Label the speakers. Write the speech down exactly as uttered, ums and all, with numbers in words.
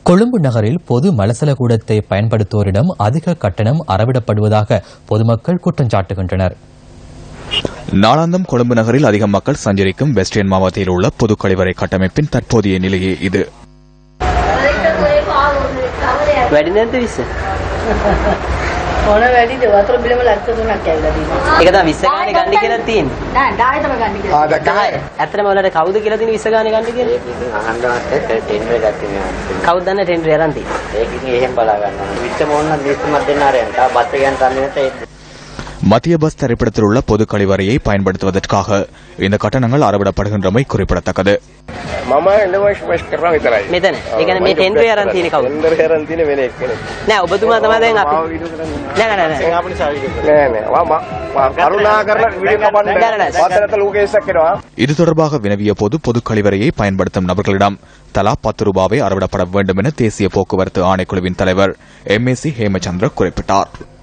Speaker 1: கொழும்பு நகரில் பொது மலசல கூடத்தை பயன்படுத்துவோரிடம் அதிக கட்டணம் அறவிடப்படுவதாக பொதுமக்கள் குற்றம் சாட்டுகின்றனர்.
Speaker 2: நாளாந்தம் கொழும்பு நகரில் அதிக மக்கள் சஞ்சரிக்கும் வெஸ்டர்ன் மாவட்டத்தில் உள்ள பொது கழிவறை கட்டமைப்பின் தற்போதைய நிலையே இது.
Speaker 3: ඕන වැඩිද වතුර බිලම ලක්ෂ තුනක් ඇවිල්ලා තියෙනවා. ඒක තමයි විස්ස ගානේ ගන්න කියලා තියෙන්නේ. නෑ ඩායි තමයි ගන්න කියලා. ආ දහය. ඇත්තටම ඔයාලට කවුද කියලා තියෙන විස්ස ගානේ ගන්න කියලා? ඒක ඉතින් අහන්නවත් ටෙන්ඩර් එකක් තියෙනවා. කවුද දන්නේ ටෙන්ඩර් අරන් තියෙන්නේ? ඒක ඉතින් එහෙම බලා ගන්නවා. විස්ස මොන්න දිස්මත් දෙන්න ආරයන්. තා බත් එකෙන් තන්නේ නැත.
Speaker 2: மத்திய பஸ் திரைப்படத்தில் உள்ள பொது கழிவறையை பயன்படுத்துவதற்காக இந்த கட்டணங்கள் அறவிடப்படுகின்றமை குறிப்பிடத்தக்கது. இது தொடர்பாக வினவிய போது பொது கழிவறையை பயன்படுத்தும் நபர்களிடம் தலா பத்து ரூபாவை அறவிடப்பட வேண்டும் என தேசிய போக்குவரத்து ஆணைக்குழுவின் தலைவர் எம் ஏ சி ஹேமச்சந்திர குறிப்பிட்டார்.